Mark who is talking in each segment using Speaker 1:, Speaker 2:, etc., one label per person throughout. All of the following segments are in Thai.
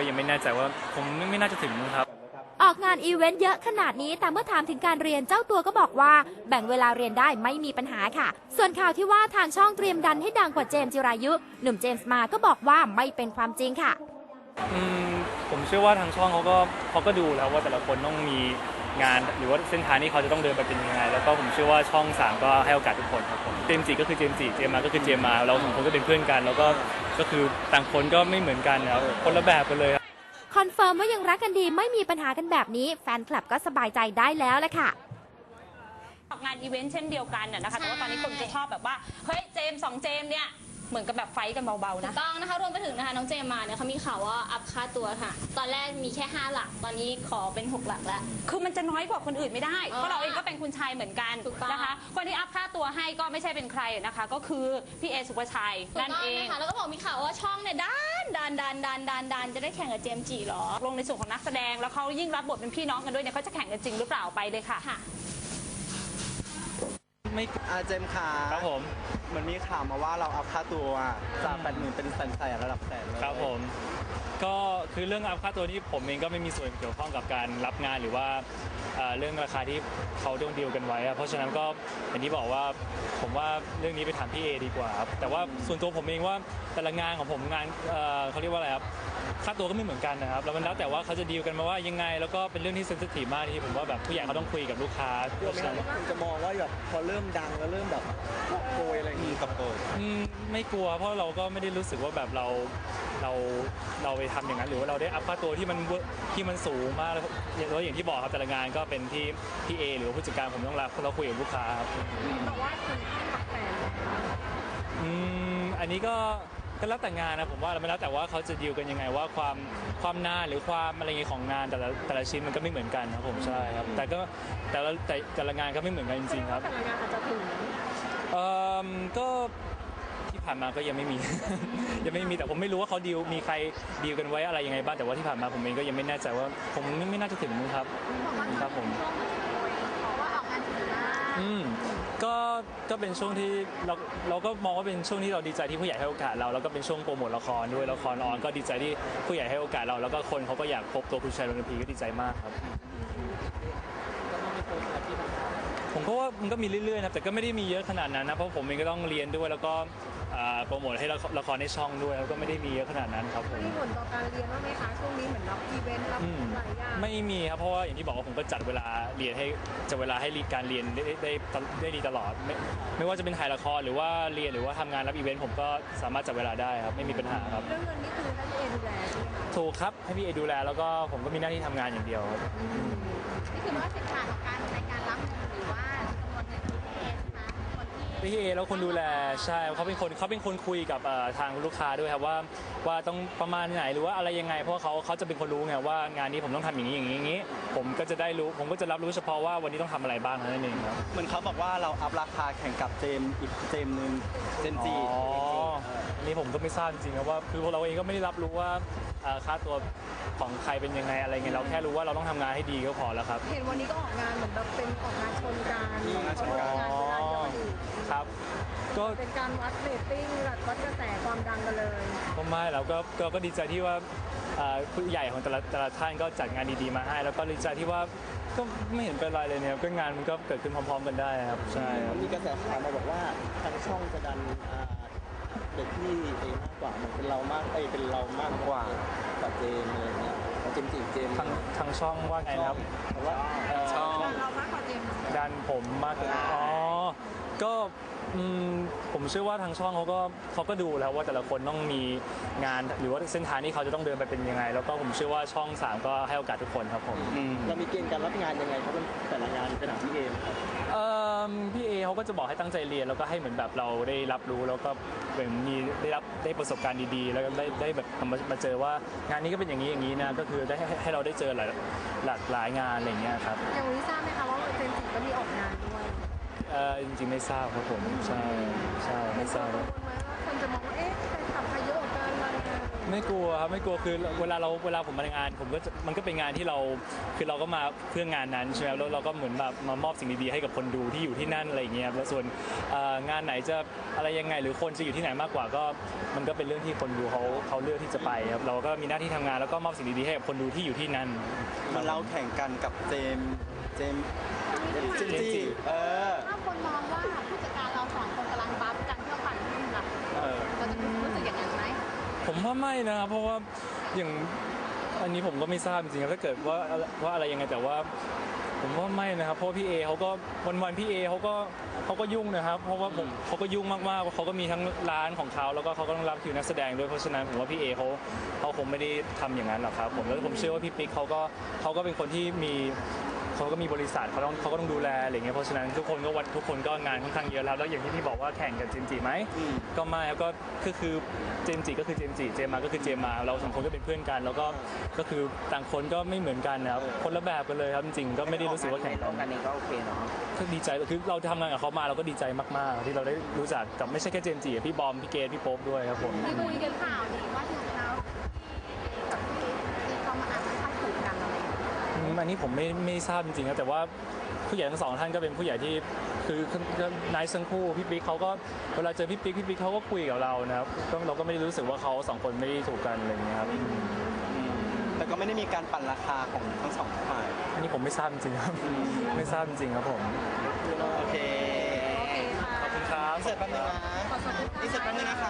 Speaker 1: ก็ยังไม่แน่ใจว่าผมไม่น่าจะถึงครับ
Speaker 2: ออกงานอีเวนต์เยอะขนาดนี้แต่เมื่อถามถึงการเรียนเจ้าตัวก็บอกว่าแบ่งเวลาเรียนได้ไม่มีปัญหาค่ะส่วนข่าวที่ว่าทางช่องเตรียมดันให้ดังกว่าเจมส์จิรายุหนุ่มเจมส์มาก็บอกว่าไม่เป็นความจริงค่ะ
Speaker 1: ผมเชื่อว่าทางช่องเขาก็ดูแล้วว่าแต่ละคนต้องมีงานหรือว่าเส้นทางที่เขาจะต้องเดินไปเป็นยังไงแล้วก็ผมเชื่อว่าช่อง3ก็ให้โอกาสทุกคนครับผมเจมส์จีก็คือเจมส์จีเจมส์มาก็คือเจมส์มาเรา2คนก็เป็นเพื่อนกันแล้วก็คือต่างคนก็ไม่เหมือนกันครับคนละแบบกันเลย
Speaker 2: คอนเฟิร์มว่ายังรักกันดีไม่มีปัญหากันแบบนี้แฟนคลับก็สบายใจได้แล้วแหละค่ะ
Speaker 3: ออกงานอีเวนต์เช่นเดียวกันนะคะแต่ว่าตอนนี้คนจะชอบแบบว่าเฮ้ยเจมส์2เจมส์เนี่ยเหมือนกับแบบไฟกันเบาๆนะ
Speaker 4: ต้องนะคะรวมไปถึงนะคะน้องเจมมาเนี่ยเขามีข่าวว่าอัพค่าตัวค่ะตอนแรกมีแค่5หลักตอนนี้ขอเป็น6หลักแล้ว
Speaker 3: คือมันจะน้อยกว่าคนอื่นไม่ได้เพราะเราเองก็เป็นคุณชายเหมือนกันนะคะคนที่อัพค่าตัวให้ก็ไม่ใช่เป็นใครนะคะก็คือพี่เอสุภชัยนั่นเอง
Speaker 4: แล้วก็บอกมีข่าวว่าช่องเนี่ยดันจะได้แข่งกับเจมจีหรอ
Speaker 3: ลงในส่วนของนักแสดงแล้วเขายิ่งรับบทเป็นพี่น้องกันด้วยเนี่ยเขาจะแข่งกันจริงหรือเปล่าไปเลยค่ะ
Speaker 1: ไม่
Speaker 5: เจมขา
Speaker 1: ครับผม
Speaker 5: เหมือนมีข่าวมาว่าเราอัพค่าตัวจาก80,000เป็นแสนระดับแสนเลย
Speaker 1: ครับผมก็คือเรื่องอัพค่าตัวนี้ผมเองก็ไม่มีส่วนเกี่ยวข้องกับการรับงานหรือว่าเรื่องราคาที่เขาต้องดีลกันไว้เพราะฉะนั้นก็อย่างที่บอกว่าผมว่าเรื่องนี้ไปถามพี่เอดีกว่าครับแต่ว่าส่วนตัวผมเองว่าแต่ละงานของผมงานเขาเรียกว่าอะไรครับค่าตัวก็ไม่เหมือนกันนะครับแล้วมันแล้วแต่ว่าเขาจะดีลกันมาว่ายังไงแล้วก็เป็นเรื่องที่เซนซิทีฟมากที่ผมว่าแบบผู้ใหญ่เขาต้องคุยกับลูกค้า
Speaker 5: เพราะฉะนั้นคุณจะมองว่าแบบพอเริ่มดังแล้วเริ่มแบบโกยอะไรอย่างนี้กับโกย
Speaker 1: ไม่กลัวเพราะเราก็ไม่ได้รู้สึกว่าแบบเราไปทำอย่างนั้นหรือว่าเราได้อัพค่าตัวที่มันสูงมากแล้วอย่างที่บอกครับแต่ละงานก็เป็นที่พี่เอหรือผู้จัดการผมต้องรับเราคุยกับลูกค้าครับ
Speaker 4: แต่ว่าคุณหลักแสน
Speaker 1: อันนี้ก็แล้วแต่งานนะผมว่าไม่แล้วแต่ว่าเขาจะดีลกันยังไงว่าความนานหรือความอะไรเงี้ยของงานแต่ละชิ้นมันก็ไม่เหมือนกันครับผมใช่ครับแต่ละงานก็ไม่เหมือนกันจริงๆครับ
Speaker 4: แต่ละงานอาจจะถึง
Speaker 1: ก็ที่ผ่านมาก็ยังไม่มี ยังไม่มีแต่ผมไม่รู้ว่าเขามีใครดีลกันไว้อะไรยังไงบ้างแต่ว่าที่ผ่านมาผมเองก็ยังไม่แน่ใจว่าผมไม่น่าจะถึงครับครับผมก็เป็นช่วงที่เราก็มองว่าเป็นช่วงที่เราดีใจที่ผู้ใหญ่ให้โอกาสเราแล้วก็เป็นช่วงโปรโมทละครด้วยละครออนก็ดีใจที่ผู้ใหญ่ให้โอกาสเราแล้วก็คนเขาก็อยากพบตัวคุณชัยรณพีก็ดีใจมากครับผมก็ว่ามันก็มีเรื่อยๆนะแต่ก็ไม่ได้มีเยอะขนาดนั้นนะเพราะผมเองก็ต้องเรียนด้วยแล้วก็โปรโมทให้ละครในช่องด้วยแล้วก็ไม่ได้มีเยอะขนาดนั้นครับผม
Speaker 4: มีผลต่อการเรียนบ้างไหมคะช่วงนี้เหมือนรับอีเวนต์รับหลายอย่าง
Speaker 1: ไม่มีครับเพราะว่าอย่างที่บอกว่าผมก็จัดเวลาเรียนให้จัดเวลาให้การเรียนได้ดีตลอดไม่ว่าจะเป็นถ่ายละครหรือว่าเรียนหรือว่าทำงานรับอีเวนต์ผมก็สามารถจัดเวลาได้ครับไม่มีปัญหาครับ
Speaker 4: เรื่องเงินนี่คือให้พี่เอดูแลใช่ไหมคะ
Speaker 1: ถูกครับให้พี่เอดูแลแล้วก็ผมก็มีหน้าที่ทำงานอย่างเดียวครับ
Speaker 4: นี่คือว่าเส้นทางของการในการรับหรือว่าจำนวนเงินที่พี่เอนะคะ
Speaker 1: พี่เอแล้วคนดูแลใช่เขาเป็นคนคุยกับทางลูกค้าด้วยครับว่าต้องประมาณไหนหรือว่าอะไรยังไงเพราะเขาจะเป็นคนรู้ไงว่างานนี้ผมต้องทำอย่างนี้ผมก็จะได้รู้ผมก็จะรับรู้เฉพาะว่าวันนี้ต้องทำอะไรบ้างนั่นเองครับ
Speaker 5: เหมือนเขาบอกว่าเราอัพราคาแข่งกับอีกเจมนึงเจมจี
Speaker 1: นี่ผมก็ไม่ทราบจริงๆนะว่าคือพวกเราเองก็ไม่ได้รับรู้ว่าค่าตัวของใครเป็นยังไงอะไรเงี้ยเราแค่รู้ว่าเราต้องทำงานให้ดีก็พอแล้วครับ
Speaker 4: เห็นวันนี้ก็ออกงานเหมือนแบบเป็นออกงานชนกัน
Speaker 1: ครับก็
Speaker 4: เป็นการวัดเรตติ้งวัดกระแสความดังกันเลย
Speaker 1: ก็ไม่แล้วก็ดีใจที่ว่าผู้ใหญ่ของแต่ละท่านก็จัดงานดีๆมาให้แล้วก็ดีใจที่ว่าก็ไม่เห็นเป็นไรเลยเนี่ยก็งานมันก็เกิดขึ้นพร้อมๆกันได้ครับใช่
Speaker 5: มีกระแสข่าวมาบอกว่าทางช่องจะดันเด็กที่เองมากกว่ามันเป็นเรามากกว่ากับเจมอะไรเงี้ยเจมจีเจม
Speaker 1: ทางช่องว่าไงครับ
Speaker 5: ว่า
Speaker 1: ช่อง
Speaker 4: เรามากกว่าเจม
Speaker 1: ดันผมมากกว่าก็ผมเชื่อว่าทางช่องเขาก็ดูแล้วว่าแต่ละคนต้องมีงานหรือว่าเส้นทางที่เขาจะต้องเดินไปเป็นยังไงแล้วก็ผมเชื่อว่าช่อง3ก็ให้โอกาสทุกคนครับผม
Speaker 5: เรามีเกณฑ์การรับงานยังไงเขาเป็นแต่ละงานเป็นของพี่เอครับ
Speaker 1: พี่เอเขาก็จะบอกให้ตั้งใจเรียนแล้วก็ให้เหมือนแบบเราได้รับรู้แล้วก็เหมือนมีได้ประสบการณ์ดีๆแล้วก็ได้แบบมาเจอว่างานนี้ก็เป็นอย่างนี้นะก็คือได้ให้เราได้เจอหลากหลายงานอะไรอย่างเงี้ยครับ
Speaker 4: อย่างวันนี้ทราบไหมคะว่าเจมส์ก็มีออกงานด้วย
Speaker 1: จริงๆไม่ทราบครับผมใช่ไม่ทราบ
Speaker 4: คนจะมองว่าเอ๊ะใครขับใครเยอะกว่ากันอะไร
Speaker 1: ไม่กลัวครับไม่กลัวคือเวลาผมมางานผมก็มันก็เป็นงานที่เราคือเราก็มาเพื่องานนั้นใช่ไหมแล้วเราก็เหมือนแบบมามอบสิ่งดีๆให้กับคนดูที่อยู่ที่นั่นอะไรอย่างเงี้ยแล้วส่วนงานไหนจะอะไรยังไงหรือคนจะอยู่ที่ไหนมากกว่าก็มันก็เป็นเรื่องที่คนดูเขาเลือกที่จะไปครับเราก็มีหน้าที่ทำงานแล้วก็มอบสิ่งดีๆให้กับคนดูที่อยู่ที่นั่น
Speaker 6: มันเราแข่งกันกับเจมส์จี
Speaker 7: ถ้าคนมองว่าผู้จัดการเราสองคนกำลังบัฟกันเพื่อปั่นหุ้นล่ะเราจะรู้สึกอย่างนั้นไหม
Speaker 1: ผมว่าไม่นะครับเพราะว่าอย่างอันนี้ผมก็ไม่ทราบจริงๆถ้าเกิดว่าอะไรยังไงแต่ว่าผมว่าไม่นะครับเพราะพี่เอเขาก็วันพี่เอเขาก็ยุ่งนะครับเพราะว่าเขาก็ยุ่งมากๆเขาก็มีทั้งร้านของเขาแล้วก็เขาก็ต้องรับคิวนักแสดงด้วยเพราะฉะนั้นผมว่าพี่เอเขาคงไม่ได้ทำอย่างนั้นหรอกครับผมแล้วผมเชื่อว่าพี่ปิ๊กเขาก็เป็นคนที่เขาก็มีบริษัทเขาก็ต้องดูแลอะไรเงี้ยเพราะฉะนั้นทุกคนก็งานค่อนข้างเยอะแล้วอย่างที่พี่บอกว่าแข่งกับเจมส์จิไหมก็ไม่ครับก็คือเจมส์จิก็คือเจมส์จิเจมมาก็คือเจมมาเราสองคนก็เป็นเพื่อนกันแล้วก็คือต่างคนก็ไม่เหมือนกันนะครับคนละแบบกันเลยครับจริงๆก็ไม่ได้รู้สึกว่าแข่งกัน
Speaker 5: เองก็โอเคเนาะ
Speaker 1: ก็ดีใจคือเราทำงานกับเขามาเราก็ดีใจมากๆที่เราได้รู้จักกับไม่ใช่แค่เจมส์จิพี่บอมพี่เกดพี่โป๊ปด้วยครับผม
Speaker 7: ที่คุยกันข่าวนี้ว่าจริงๆแล้วกับที่เขามาอ่านเข้าถูกกันอะไรอย่างเงี้ย
Speaker 1: อันนี้ผมไม่ทราบจริงๆนะแต่ว่าผู้ใหญ่ทั้งสองท่านก็เป็นผู้ใหญ่ที่คือนายทั้งคู่พี่ปิ๊กเขาก็เวลาเจอพี่ปิ๊กเขาก็คุยกับเรานะครับเราก็ไม่ได้รู้สึกว่าเขาสองคนไม่ได้ถูกกันอะไรอย่างเงี้ยครับ
Speaker 6: แต่ก็ไม่ได้มีการปั่นราคาของทั้งสองฝ่าย
Speaker 1: อันนี้ผมไม่ทราบจริงๆครับไม่ทราบจริงๆครับผม
Speaker 6: โอเค
Speaker 1: ขอบคุณครับ
Speaker 6: เสร็จแป๊บนึงนะนี่เสร็จแป๊บนึงนะคะ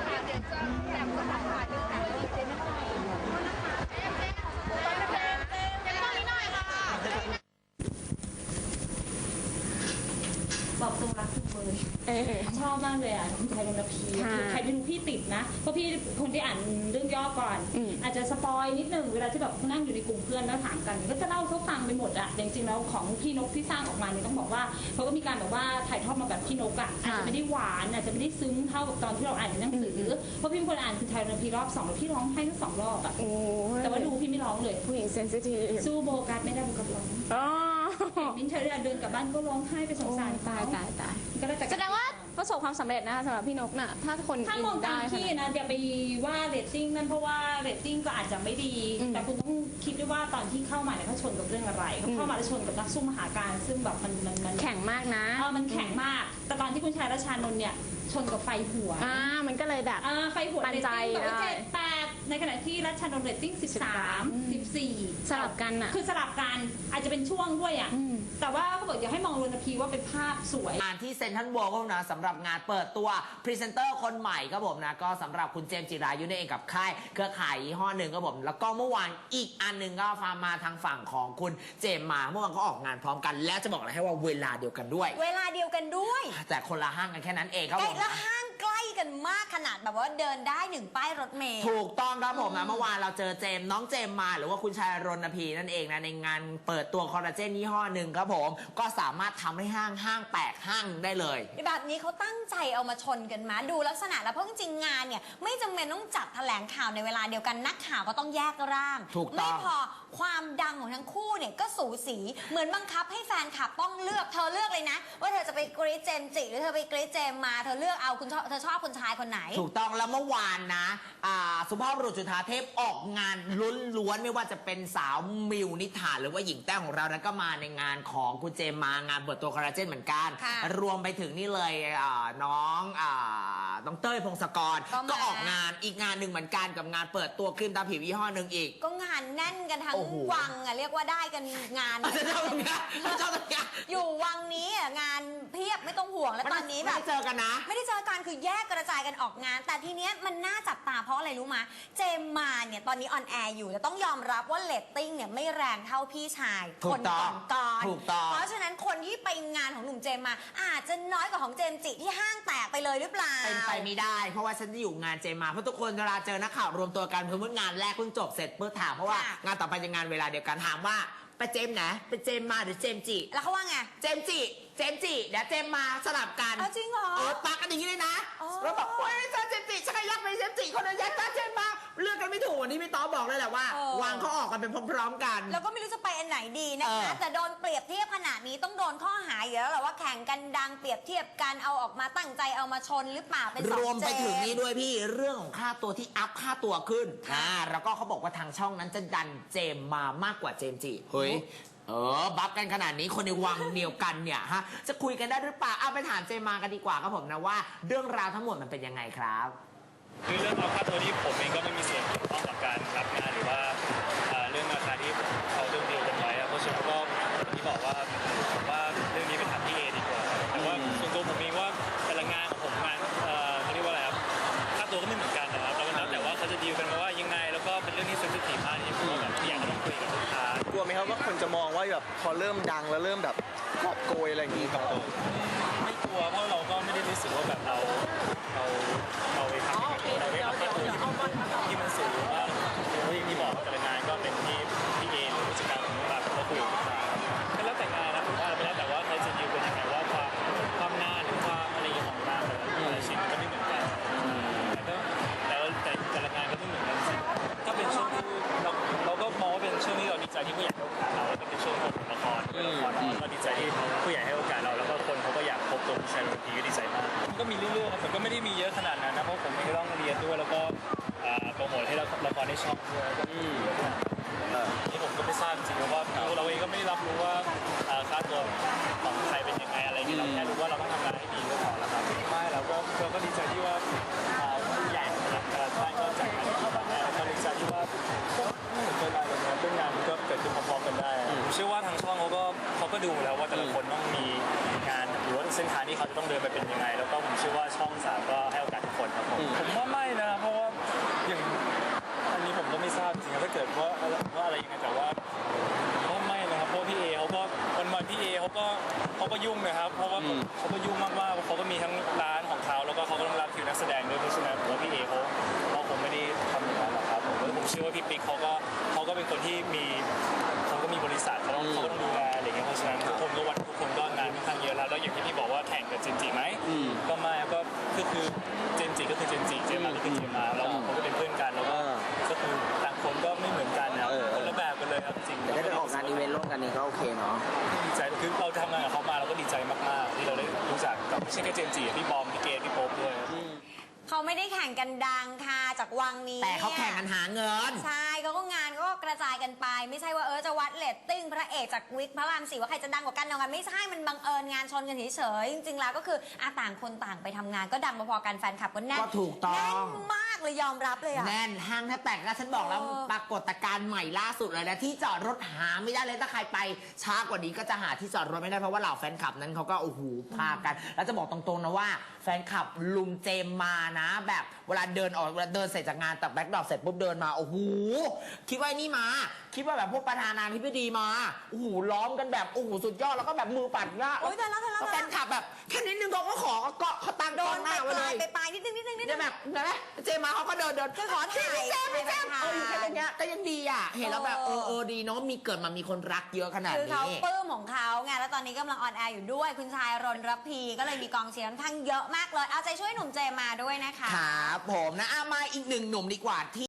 Speaker 3: บอกตรงรักทุกเลยชอบมากเลยอ่ะคุณไทยรณพีคือใครดูพี่ติดนะเพราะพี่คนที่อ่านเรื่องย่อก่อน อาจจะสปอยนิดนึงเวลาที่แบบนั่งอยู่ในกลุ่มเพื่อนแล้วถามกันก็จะเล่าเขาฟังไปหมดอ่ะจริงๆแล้วของพี่นกที่สร้างออกมาเนี่ยต้องบอกว่าเขาก็มีการแบบว่าถ่ายทอดมาแบบพี่นกอ่ะอาจจะไม่ได้หวานอาจจะไม่ได้ซึ้งเท่ากับตอนที่เราอ่านในหนังสือเพราะพี่เป็นคนอ่านคุณไทยรณพีรอบ2แล้วพี่ร้องไห้ทั้ง2 รอบอ่ะแต่ว่าดูพี่ไม่ร้องเลยผู้หญิงเซนซิทีฟสู้โบกัสไม่ได้โบกัสร้องมิ้นเธอเดินกลับบ้านก็ร้องไห้ไปสงสารตายก็ได้แต่
Speaker 4: แสดงว่าประสบความสำเร็จนะคะสำหรับพี่นกน่ะถ้าคน
Speaker 3: ถ้ามองตามพี่นะอย่าไปว่าเรตติ้งนั่นเพราะว่าเรตติ้งก็อาจจะไม่ดี แต่คุณต้องคิดด้วยว่าตอนที่เข้ามาเนี่ยเขาชนกับเรื่องอะไรเขาเข้ามาแล้วชนกับนักสู้มหาการซึ่งแบบมัน
Speaker 4: แข่งมากนะ
Speaker 3: มันแข็งมากแต่ตอนที่คุณชายรัชานนท์เนี่ยชนกับไฟหัว
Speaker 4: มันก็เลยแบบ
Speaker 3: ไฟหัว
Speaker 4: ปันใจ
Speaker 3: ได้7-8ในขณะที่รัชานนท์เรตติ้ง13-14
Speaker 4: สลับกันอ่ะ
Speaker 3: คือสลับกันอาจจะเป็นช่วงด้วยอ่ะแต่ว่าเขาบอกอย่าให้มองรณพีว่าเป็นภาพสวย
Speaker 8: งานที่เซ็นทรัลเวิลด์ก็นะสำหรับงานเปิดตัวพรีเซนเตอร์คนใหม่ครับผมนะก็สำหรับคุณเจมส์จิรายุนั่นเองกับค่ายเครือข่ายยี่ห้อหนึ่งครับผมแล้วก็เมื่อวานอีกอันหนึ่งก็มาทางฝั่งของคุณเจมส์มาเมื่อวานก็ออกงานพร้อมกันและจะบอกเลยให้ว่าเวลาเดียวกันด้วย
Speaker 9: เวลาเดียวกันด้วย
Speaker 8: แต่คนละห้างกันแค่นั้นเองครับผม
Speaker 9: และห้างใกล้กันมากขนาดแบบว่าเดินได้1 ป้ายรถเมล์
Speaker 8: ถูกต้องครับผมนะเมื่อวานเราเจอเจมส์น้องเจมส์มาหรือว่าคุณชายรณพีนั่นเองนะในงานเปิดตัวคอลลาเจนยี่ห้อหนึ่งครับผมก็สามารถทำให้ห้างแตกห้างได้เลย
Speaker 9: แบบนี้เขาตั้งใจเอามาชนกันมาดูลักษณะแล้วเพราะจริงๆงานเนี่ยไม่จำเป็นต้องจัดแถลงข่าวในเวลาเดียวกันนักข่าวก็ต้องแยกร่างไม่พอความดังของทั้งคู่เนี่ยก็สูสีเหมือนบังคับให้แฟนคลับต้องเลือกเธอเลือกเลยนะว่าเธอจะไปกรี๊ดเจมส์จิหรือเธอไปกรี๊ดเจมมาเธอเลือกเอาเธอชอบคุณชายคนไหน
Speaker 8: ถูกต้องแล้วเมื่อวานนะสุภาพบุรุษจุฑาเทพออกงานล้วนๆไม่ว่าจะเป็นสาวมิวนิษฐาหรือว่าหญิงแต้วของเรานะก็มาในงานของคุณเจมมางานเปิดตัวคอลลาเจนเหมือนกันรวมไปถึงนี่เลยน้องเต้ยพงศกรก็ออกงานอีกงานหนึ่งเหมือนกันกับงานเปิดตัวครีมตาผิวยี่ห้อหนึ่งอีก
Speaker 9: ก็งานแน่นกันทั้งวังเรียกว่าได้กันงานอยู่วังนี้งานเพียบไม่ต้องห่วงแล้วตอนนี้แบบ
Speaker 8: ไม่ได้เจอกันนะ
Speaker 9: ไม่ได้เจอกันคือแยกกระจายกันออกงานแต่ทีเนี้ยมันน่าจับตาเพราะอะไรรู้มาเจมมาเนี่ยตอนนี้ออนแอร์อยู่แต่ต้องยอมรับว่าเรตติ้งเนี่ยไม่แรงเท่าพี่ชายคนก่อนเพราะฉะนั้นคนที่ไปงานของหนุ่มเจมมาอาจจะน้อยกว่าของเจมจิที่ห้างแตกไปเลยหรือเปล่า
Speaker 8: เป็นไปไม่ได้เพราะว่าฉันจะอยู่งานเจมมาเพราะทุกคนเวลาเจอนักข่าวรวมตัวกันเพิ่งงานแรกเพิ่งจบเสร็จเพื่อถามเพราะว่างานต่อไปจะงานเวลาเดียวกันถามว่าไปเจมส์ไหนไปเจมส์มาหรือเจมส์จิ
Speaker 9: แล้วเขาว่าไง
Speaker 8: เจมส์จิเดี๋ยวเจมส์มาสลับกัน
Speaker 9: เอาจริงเหรอ
Speaker 8: ปากกันอย่างนี้เลยนะ
Speaker 9: อ๋อ
Speaker 8: แล้วบอกเฮ้ยเจมส์จิฉันก็ยักไปเจมส์จิคนนั้นยักเจมส์มาเลือกกันไม่ถูกวันนี้พี่ต๊อบบอกเลยแหละว่า วางเขาออกกันเป็นพร้อมๆกัน
Speaker 9: แล้วก็ไม่รู้จะไปอันไหนดีนะคะ แต่โดนเปรียบเทียบขนาดนี้ต้องโดนข้อหาอยู่แล้วแหละว่าแข่งกันดังเปรียบเทียบกันเอาออกมาตั้งใจเอามาชนหรือเปล่าเป็นสอง
Speaker 8: รวมไปถึง
Speaker 9: เจ
Speaker 8: นี้ด้วยพี่เรื่องของค่าตัวที่อัพค่าตัวขึ้นแล้วก็เขาบอกว่าทางช่องนั้นจะดันเจมส์มามากกว่าเจมส์จิเฮ้ยบัฟกันขนาดนี้คนในวังเดียวกันเนี่ยฮะจะคุยกันได้หรือเปล่าเอาไปถามเจมส์มากันดีกว่าครับผมนะว่าเรื่องราวทั้งหมดมันเป็นยังไงครับ
Speaker 1: คือเรื่องเอาค่าตัวนี้ผมเองก็ไม่มีส่วนเกี่ยวข้องกับการรับงานหรือว่าเรื่องราคาที่เขาเรื่องดีลกันไว้เพราะฉะนั้นก็ที่บอกว่าผมว่าเรื่องนี้ไปถามพี่เอดีกว่าแต่ว่าส่วนตัวผมเองว่าแต่ละงานของผมงานเขาเรียกว่าอะไรครับค่าตัวก็ไม่เหมือนกันนะครับแล้วแต่ว่าเขาจะดีลกันมาว่ายังไงแล้วก็เป็นเรื่องที่เซนซิทีฟมากที่ผมแบบอยากจะต้องคุยกับลูกค้าก
Speaker 5: ลัวไหมครับว่าคนจะมองว่าแบบพอเริ่มดังแล้วเริ่มแบบกอบโกยอะไรอย่างนี้ครับ
Speaker 1: ไม่กลัวเพราะเราก็ไม่ได้รู้สึกว่าแบบเราไปทำเราได้รับค่าตัวที่มันสูงว่าอย่างที่บอกแต่ละงานก็เป็นที่พี่เอหรือผู้จัดการของเราเขาคุยกับลูกค้าก็แล้วแต่งานนะผมว่าไม่แล้วแต่ว่าเขาจะดีลเป็นยังไงว่าความนานหรือความอะไรของงานแต่ละชิ้นมันก็ไม่เหมือนกันแต่ละงานก็ไม่เหมือนกันก็เป็นช่วงที่เราก็มองว่าเป็นช่วงที่เราดีใจที่ผู้ใหญ่ให้โอกาสเราแล้วก็เป็นช่วงของละครก็ดีใจที่ผู้ใหญ่ให้โอกาสเราแล้วก็คนเขาก็อยากพบตัวผู้ชายบางทีก็ดีใจมากก็มีเรื่อยๆมันก็ไม่ได้มีเยอะขนาดนั้นนะเพราะผมก็ต้องเรียนด้วยแล้วก็โปรโมทให้ละครได้ช่องด้วยก็มีเยอะขนาดนี้ผมก็ไม่ทราบจริงๆว่าเราเองก็ไม่ได้รับรู้ว่าค่าตัวของใครเป็นยังไงอะไรอย่างเงี้ยเราแค่รู้ว่าเราต้องทำงานให้ดีก็พอแล้วครับไม่เราก็ดีใจที่ว่าผู้ใหญ่ท่านก็จัดงานที่แบบนี้เราดีใจที่ว่าไม่เหมือนกันเลยนะเรื่องงานมันก็เกิดขึ้นพร้อมๆกันได้ผมเชื่อว่าทางช่องเขาก็ดูแล้วว่าแต่ละคนต้องมีงานหรือว่าเส้นทางที่เขาจะต้องเดินไปเป็นยังไงแล้วก็ผมเชื่อว่าช่อง3ก็ให้โอกาสทุกคนครับผมว่าไม่นะเพราะว่าอย่างอันนี้ผมก็ไม่ทราบจริงๆถ้าเกิดว่าอะไรยังไงแต่ว่าไม่นะครับเพราะพี่เอเขาก็วันพี่เอเขาก็ยุ่งนะครับเพราะว่าเขาก็ยุ่งมากๆเขาก็มีทั้งร้านของเขาแล้วก็เขาก็ต้องรับคิวนักแสดงด้วยเพราะฉะนั้นผมว่าพี่เอเขาคงไม่ได้ทำอย่างนั้นหรอกครับผมเชื่อว่าพี่ปิ๊กเขาก็เป็นคนที่เขาก็มีบริษัทเขาต้องดูแลอะไรอย่างเงี้ยเพราะฉะนั้นทุกคนก็งานค่อนข้างเยอะแล้วอย่างที่พี่บอกว่าแข่งกับเจนจิไหมก็ไม่ก็คือเจนจิก็คือเจนจิเจมมาก็คือเจมมาแล้วเขาก็เป็นเพื่อนกันแล้วก็คือต่างคนก็ไม่เหมือนกันนะคนละแบบกันเลยครับจริงแต่ได้ออกงานอีเวนต์ร่วมกันนี่ก็โอเคเนาะดีใจคือเราทำงานกับเขามาเราก็ดีใจมากๆที่เราได้รู้จักกับไม่ใช่แค่เจนจิพี่บอมพี่เกดพี่โป๊ปด้วย
Speaker 9: เขาไม่ได้แข่งกันดังค่ะจากวังนี้
Speaker 8: แต่เขาแข่งกันหาเงิน
Speaker 9: ใช่เขาก็งานก็กระจายกันไปไม่ใช่ว่าจะวัดเรตติ้งพระเอกจากวิกพระราม4ว่าใครจะดังกว่ากันเอากันไม่ใช่มันบังเอิญงานชนกันเฉยๆจริงๆแล้วก็คือต่างคนต่างไปทำงานก็ดังพอๆกันแฟนคลับก็แน่น
Speaker 8: ก็ถูกต้อง
Speaker 9: แน่นมากเลยยอมรับเลยอะ
Speaker 8: แน่นห้างแทบแตกแล้วฉันบอกแล้วปรากฏการณ์ใหม่ล่าสุดเลยนะที่จอดรถหาไม่ได้เลยถ้าใครไปช้ากว่านี้ก็จะหาที่จอดรถไม่ได้เพราะว่าเหล่าแฟนคลับนั้นเขาก็โอ้โหพากันแล้วจะบอกตรงๆนะว่าแฟนคลับลุมเจมมานะแบบเวลาเดินเสร็จจากงานตัดแบ็คดรอปเสร็จปุ๊บเดินมาโอ้โหคิดว่านี่มาคิดว่าแบบพวกประธานาธิบดีมาโอ้โหล้อมกันแบบโอ้โหสุดยอดแล้วก็แบบมือปัดหน้า
Speaker 9: โอ๊ยแต่แล้ว
Speaker 8: แฟนคลับแบบแค่นิดนึงเขาก็ขอเกาะเขาตั้ง
Speaker 9: โด
Speaker 8: กล้อน งหน้าไว้เลย
Speaker 9: ไปปลายนิดนึง
Speaker 8: แบบนะเจมาเขาก็เดินคือขอถ่ายพี่แจมอยู่แค่นี้ก็ยังดีอ่ะเห็นแล้วแบบดีเนาะมีเกิดมามีคนรักเยอะขนาดนี้
Speaker 9: คือเขาปลื้มของเขาไงแล้วตอนนี้กำลังออนแอร์อยู่ด้วยคุณชายรณรพีก็เลยมีกองเชียร์ค่อนข้างเยอะมากเลยเอาใจช่วยหนุ่มเจมาด้วยนะคะ
Speaker 8: ครับผมนะมาอีกหนึ่งหนุ่มดีกว่าที่